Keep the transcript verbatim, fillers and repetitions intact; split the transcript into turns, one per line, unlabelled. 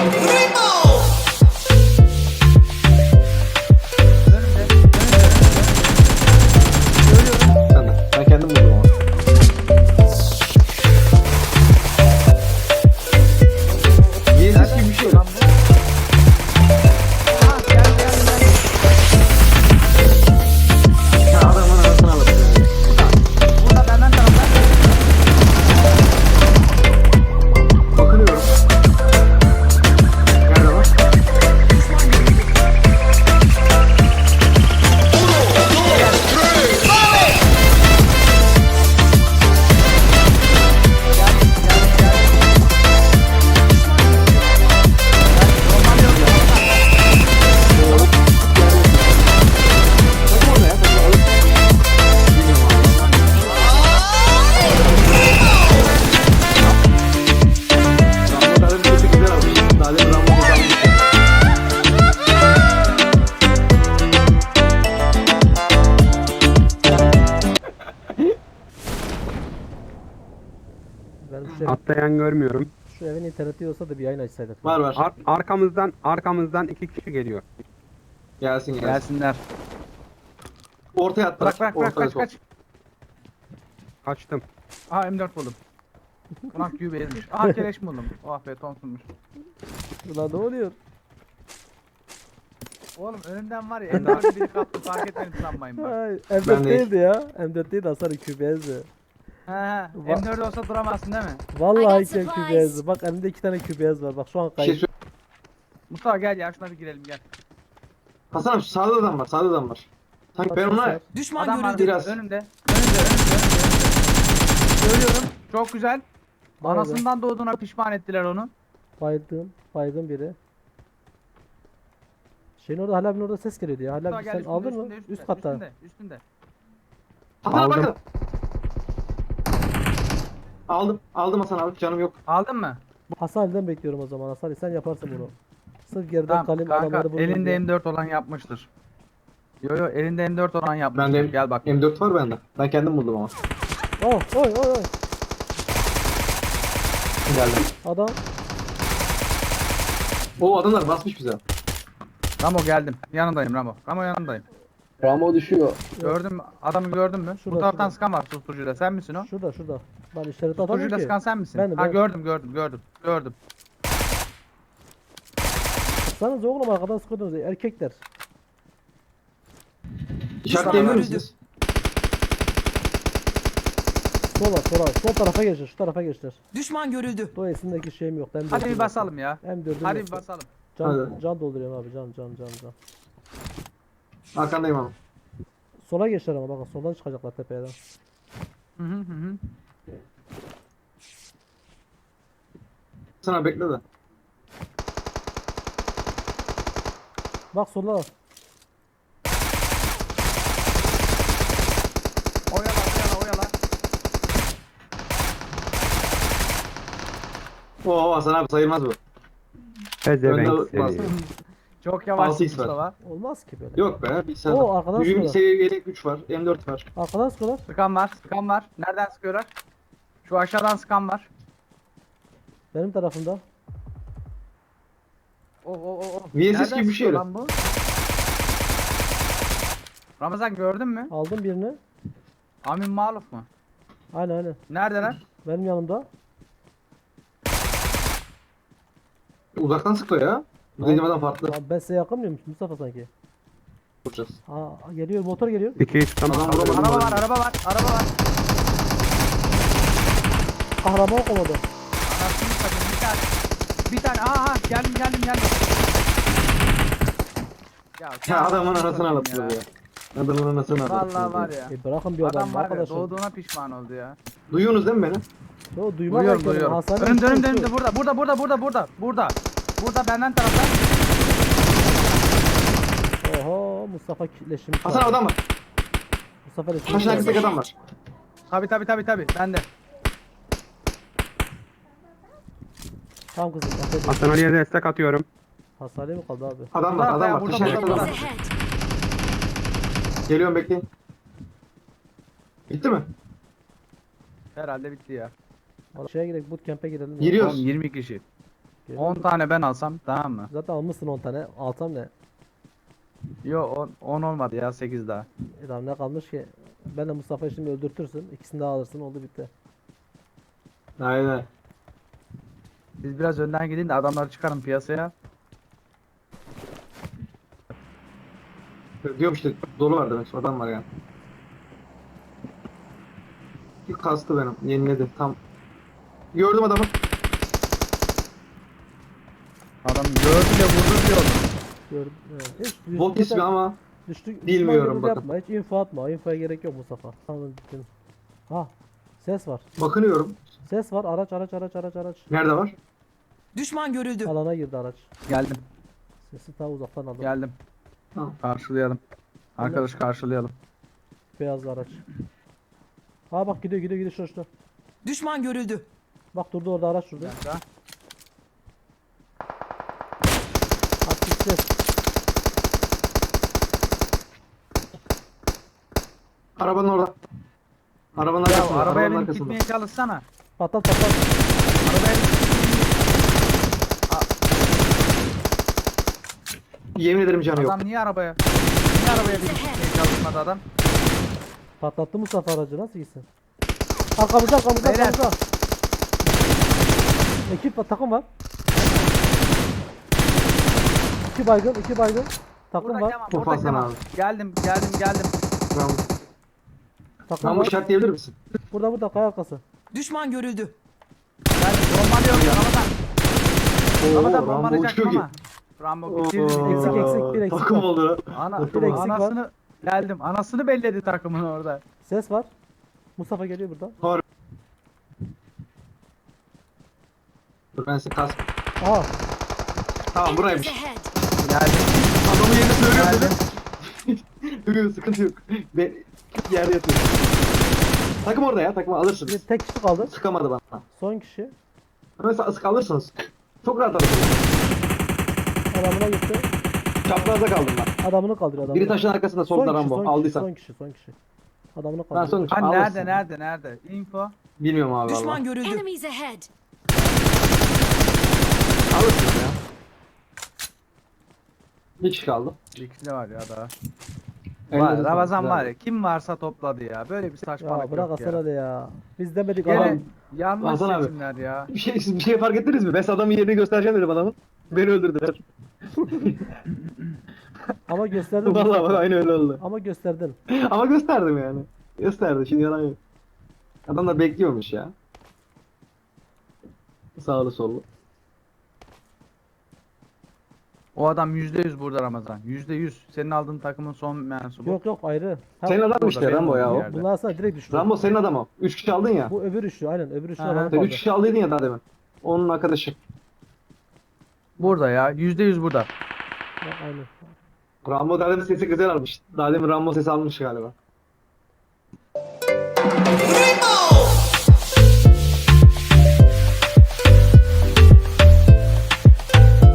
Ben de. Ben kendim buldum ama. Yeğsiz gibi bir şey.
Lan bu. Ha gel gel gel.
Ya adamın arasına alır.
Burada benden tarafta.
Bakınıyorum. Nerede lan?
Gel gel gel. Normal yok.
Bakın orada ya. Bakın orada. Bilmiyorum abi. Rambo kadar bir kötü güzel almış. Daha demin Rambo güzel almış.
Ben şu,
Atlayan görmüyorum.
şu evin interneti olsa da bir yayın açsaydık.
Var var.
Ar- arkamızdan arkamızdan iki kişi geliyor.
Gelsin gelsin.
Gelsinler.
Ortaya atlar.
Bırak bırak bırak
Ortaya
kaç
sok.
kaç.
Kaçtım.
Aha M dört buldum. Ulan Q B ezmiş. Aha keleş buldum. Oh be Thompson'muş.
Ulan ne oluyor?
Oğlum önümden var ya M dört'ü biri kaptı fark etmedim sanmayın bak.
Ay, M dört
Ben de-
değildi ya. M dört değil Hasan Q B S'di.
He he. M dört olsa duramazsın değil mi?
Vallahi
I got
Q
supplies.
B S'di. Bak elimde iki tane Q B S var. Bak şu an
Bir şey
kayıp.
söyle.
Mustafa gel ya şuna bir girelim gel.
Hasan abi sağda adam var. Sağda adam var. Sanki ben ona
Düşman
Adam var
görüldü.
Biraz.
önümde. Önümde önümde önümde. Söylüyorum. Çok güzel.
Bayıldı.
Anasından doğduğuna pişman ettiler onu.
Bayıldım. Bayıldım biri. Şeyin orada hala bir orada ses geliyordu ya. Hala
Mustafa
bir
gel
sen
üstünde,
aldın mı?
üstünde, üstünde,
Üst katta.
Üstünde üstünde.
Hasan abi
Aldım.
bakın. Aldım. Aldım Hasan abi. Canım yok.
Aldın mı?
Hasan Ali'den bekliyorum o zaman. Hasan Ali sen yaparsın bunu. Sırf geriden
Tamam
kalayım
kanka
adamları vurayım
elinde
diye.
M dört olan yapmıştır. Yo yo elinde M dört olan yapmıştır.
Bende
Gel bak.
M dört var bende. Ben kendim buldum ama.
Oh oy oy oy.
Geldim.
Adam.
O adamlar basmış bize.
Ramo geldim. Yanındayım Ramo. Ramo yanındayım.
Ramo düşüyor.
Gördün mü? Adamı gördün mü?
Şurada,
Bu taraftan
şurada.
sıkan var susturucuyla. Sen misin o?
Şurada şurada. Ben işareti atamıyorum
Susturucuyla
ki.
sıkan sen misin?
Benim,
ha
ben.
gördüm gördüm gördüm. Gördüm.
Sıksanız oğlum arkadan sıkıyordunuz erkekler.
İşaretleyebilir misiniz?
Sola sola. Sol tarafa geçtir. Şu tarafa geçtir.
Düşman görüldü.
Dolayısındaki şeyim yok. Ben
Hadi bir basalım ya.
M dördüm
Hadi
yok.
bir basalım.
Can,
Hadi.
can dolduruyorum abi can can can can.
Arkandayım abi.
Sola geçler ama bakın soldan çıkacaklar tepeden.
Hı hı hı hı.
Sana bekle de.
Bak sola.
Oyala oyala oyala.
Oo Hasan abi sayılmaz bu.
Pezevenk
Önde bas.
seni.
Çok yavaş
altı x var.
Mustafa.
Olmaz ki böyle.
Yok be. Bir sen.
Oo, arkadan
Gücün
sıkıyorlar.
seviye yelek güç var. M dört var.
Arkadan sıkıyorlar.
Sıkan var. Sıkan var. Nereden sıkıyorlar? Şu aşağıdan sıkan var.
Benim tarafımda.
O o o o.
V S S
Nereden
gibi bir şey
sıkıyor
öyle.
lan bu? Ramazan gördün mü?
Aldım birini.
Amin Maluf mu?
Aynen aynen.
Neredeler?
Benim yanımda.
Uzaktan sıkıyor ya. Bu dediğim adam farklı.
Lan ben size yakın mıyım Mustafa sanki?
Vuracağız.
Aa geliyor motor geliyor.
İki üç tamam.
Adam vuramadı.
Araba var, araba var, araba var.
Kahraman komadı.
Anasını satayım bir tane. Bir tane. Aha geldim geldim geldim. Ya,
Ya adamın
anasını
arasına
satayım
alıp ya. Adamın arasına alıp.
Vallahi var ya.
E bırakın bir adam,
Adam var ya
arkadaşım.
doğduğuna pişman oldu ya.
Duyuyorsunuz değil mi beni?
Yo duymak
Duyuyorum
bekledim.
duyuyorum.
Hasan'ın
Önümde
üstü
önümde
üstü.
önümde burada burada burada burada burada burada. Burada benden taraftan.
Oho Mustafa leşimi
Hasan
çaldı.
adam var.
Mustafa leşimi
Taşın
çaldı.
arkasındaki adam var.
Tabi tabi tabi tabi bende.
Tamam kızım. Hasan
Hasan Ali'ye destek atıyorum.
Hastaneye mi kaldı abi?
Adam var,
Burada,
adam var.
burada,
Taşın
burada,
arkasında adam
burada.
var.
Ahead.
Geliyorum bekleyin. Bitti mi?
Herhalde bitti ya.
Şeye gidelim bootcamp'e girelim. ya.
Giriyoruz.
Oğlum yirmi kişi.
Geliyor.
on tane ben alsam tamam mı?
Zaten almışsın on tane. Alsam ne?
Yo on olmadı ya, sekiz daha.
E tamam, ne kalmış ki? Ben de Mustafa'yı şimdi öldürtürsün. İkisini daha alırsın, oldu bitti.
Aynen.
Biz biraz önden gidin de adamları çıkarın piyasaya.
Diyorum işte dolu var demek. Adam var yani. Bir kastı benim. Yeniledi. Tam. Gördüm adamı.
Adam gördü de vurdu diyor.
Gördüm. Evet. Hiç düş-
Bot ismi ama.
düştük.
bilmiyorum
düşman
bakın.
Yapma. Hiç info atma. Infoya gerek yok Mustafa. Tamam, gittin. Ha. Ses var.
Bakınıyorum.
Ses var. Araç araç araç araç araç.
Nerede var?
Düşman görüldü.
Alana girdi araç.
Geldim,
Sesi ta uzaktan aldım.
geldim.
Tamam.
Karşılayalım. Arkadaş karşılayalım.
Beyazlı araç. Ha bak, gidiyor gidiyor gidiyor şurada şurada.
Düşman görüldü.
Bak durdu orada, araç durdu.
Bir dakika.
At gitti.
Arabanın orada. Arabanın
Ya
arkasında.
arabaya
Arabanın
binip
arkasında.
gitmeye çalışsana.
Patlat patlat.
Arabaya
Yemin ederim canı yok.
Adam niye arabaya? Niye arabaya binip gitmeye çalışmadı adam?
Patlattı Mustafa aracı, nasıl gitsin? Arkamızda arkamızda
Beyler.
arkamızda. Ekip var, takım var. İki baygın, iki baygın. Takım
Burada
var.
Kemal,
Çok
burada
fazla
Kemal.
abi.
Geldim, geldim, geldim.
Rambo.
Takım
Rambo
var.
işaretleyebilir misin?
Burada burada, kaya arkası.
Düşman görüldü.
Geldim, bombalıyorum ya Ramazan.
Oo,
Ramazan
Rambo
bombalayacak
uçuyor ki.
ama. Rambo
Oo,
bitirdi.
Eksik, eksik, bir eksik
Takım
var.
oldu.
Ana,
Bir eksik
var.
anasını geldim. Anasını belledi takımın orada.
Ses var. Mustafa geliyor burada.
Dur ben size kas.
Aha.
Tamam buraymış.
Geldim.
Adamın yerini söylüyorum
Geldim.
dedim. Yok sıkıntı yok. Ben yerde yatıyorum. Takım orada ya, takımı
Bir
alırsınız.
tek kişi kaldı.
Sıkamadı bana.
Son kişi.
Ama sık alırsınız. Çok rahat alırsınız.
Adamına gitti.
Çaprazda kaldım ben.
Adamını kaldırıyor adamını.
Biri taşın arkasında
Son
solda
kişi,
Rambo.
son kişi,
Aldıysan.
son kişi, son kişi. Adamını
Ben
kaldırıyor.
son kişi.
Hani
Alırsın.
nerede, nerede, nerede? Info.
Bilmiyorum abi
Düşman
valla.
görüldü.
Enemies ahead.
Alırsınız ya. Bir kişi kaldı.
Bir kişi de var ya daha.
Elinize
Var,
sağlık,
Ramazan
güzel.
var ya, kim varsa topladı ya. Böyle bir saçmalık
Ya bırak
yok
Hasan
ya.
hadi ya. Biz demedik
Gene
adam.
yanlış
Hasan abi.
seçimler ya.
Bir şey, siz bir şey fark ettiniz mi? Ben adamın yerini göstereceğim dedim adamın. Beni öldürdüler.
Ama gösterdin.
Vallahi bak
Mustafa.
aynı öyle oldu.
Ama gösterdin.
Ama gösterdim yani. Gösterdi şimdi yalan yok. Adam da bekliyormuş ya. Sağlı sollu.
O adam yüzde yüz burada Ramazan. Yüzde yüz. Senin aldığın takımın son mensubu.
Yok yok, ayrı. Ha,
Senin adam
burada,
işte
benim
Rambo ya
olduğum
o.
yerde.
bunlar sana direkt düştü.
Rambo senin adam o. Üç kişi aldın ya.
Bu öbür üçlü, aynen öbür üçlü
Aha.
adam
Sen
kaldı.
üç kişi aldıydın ya daha demin. Onun arkadaşı.
Burada ya. Yüzde yüz burada.
Ya, aynen.
Rambo daha demin sesi güzel almış. Daha demin Rambo sesi almış galiba.